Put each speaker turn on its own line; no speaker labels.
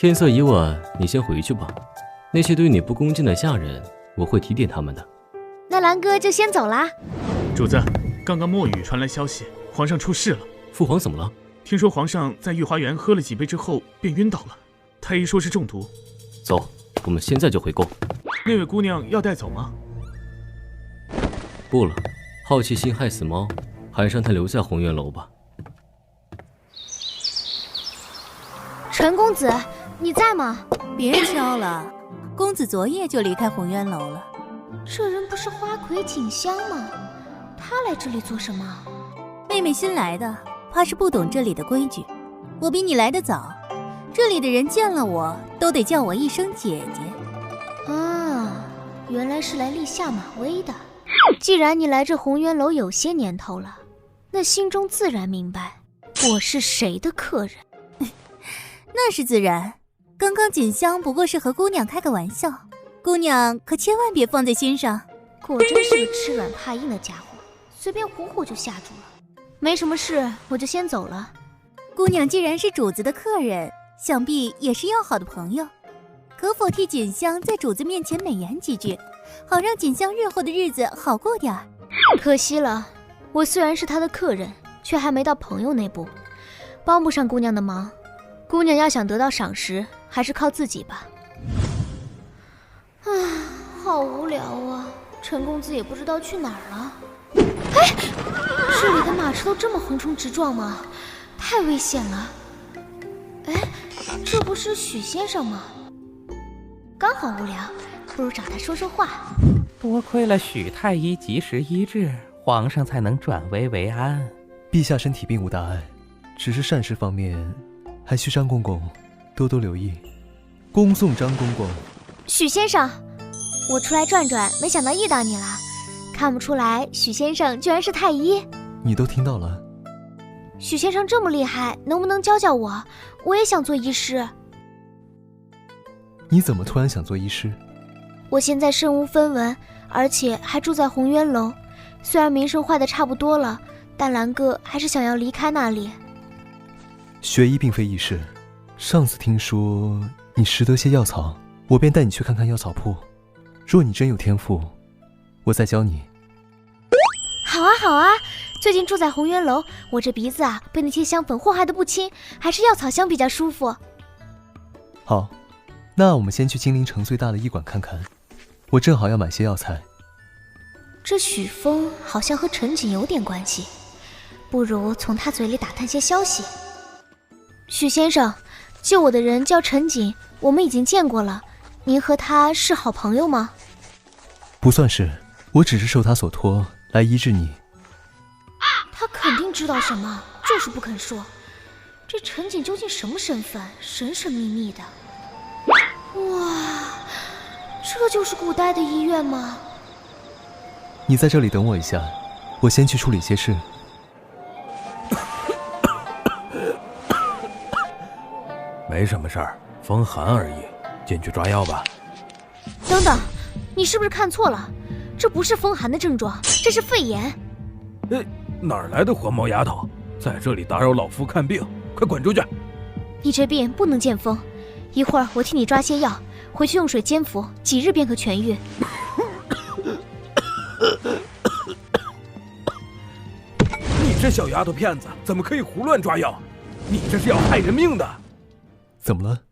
天色已晚，你先回去吧。那些对你不恭敬的下人，我会提点他们的。
那兰哥就先走啦。
主子，刚刚墨雨传来消息，皇上出事了。
父皇怎么了？
听说皇上在御花园喝了几杯之后便晕倒了，太医说是中毒。
走，我们现在就回宫。
那位姑娘要带走吗？
不了，好奇心害死猫，还是让她留在红渊楼吧。
陈公子，你在吗？
别敲了，公子昨夜就离开红渊楼了。
这人不是花魁锦香吗？他来这里做什么？
妹妹新来的，怕是不懂这里的规矩。我比你来得早，这里的人见了我都得叫我一声姐姐。
啊，原来是来立下马威的。既然你来这红渊楼有些年头了，那心中自然明白我是谁的客人。
那是自然，刚刚锦香不过是和姑娘开个玩笑，姑娘可千万别放在心上。
果真是个吃软怕硬的家伙，随便唬唬就吓住了。没什么事，我就先走了。
姑娘既然是主子的客人，想必也是要好的朋友，可否替锦香在主子面前美言几句，好让锦香日后的日子好过点儿。
可惜了，我虽然是她的客人，却还没到朋友那步，帮不上姑娘的忙。姑娘要想得到赏识，还是靠自己吧。唉，好无聊啊！陈公子也不知道去哪儿了。哎，这里的马车都这么横冲直撞吗？太危险了。哎，这不是许先生吗？刚好无聊，不如找他说说话。
多亏了许太医及时医治，皇上才能转危为安。
陛下身体并无大碍，只是膳食方面还需张公公多多留意。恭送张公公。
许先生，我出来转转，没想到遇到你了。看不出来许先生居然是太医。
你都听到了。
许先生这么厉害，能不能教教我？我也想做医师。
你怎么突然想做医师？
我现在身无分文，而且还住在红渊楼，虽然名声坏得差不多了，但兰哥还是想要离开那里。
学医并非易事，上次听说你识得些药草，我便带你去看看药草铺。若你真有天赋，我再教你。
好啊好啊，最近住在红渊楼，我这鼻子啊被那些香粉祸害得不轻，还是药草香比较舒服。
好，那我们先去金陵城最大的医馆看看，我正好要买些药材。
这许峰好像和陈瑾有点关系，不如从他嘴里打探些消息。许先生，救我的人叫陈瑾，我们已经见过了，您和他是好朋友吗？
不算是，我只是受他所托来医治你。
他肯定知道什么，就是不肯说。这陈瑾究竟什么身份？神神秘秘的。哇，这就是古代的医院吗？
你在这里等我一下，我先去处理些事。
没什么事儿，风寒而已，进去抓药吧。
等等，你是不是看错了？这不是风寒的症状，这是肺炎。
哪儿来的黄毛丫头，在这里打扰老夫看病，快滚出去！
你这病不能见风，一会儿我替你抓些药，回去用水煎服，几日便可痊愈。
你这小丫头片子，怎么可以胡乱抓药？你这是要害人命的！
怎么了？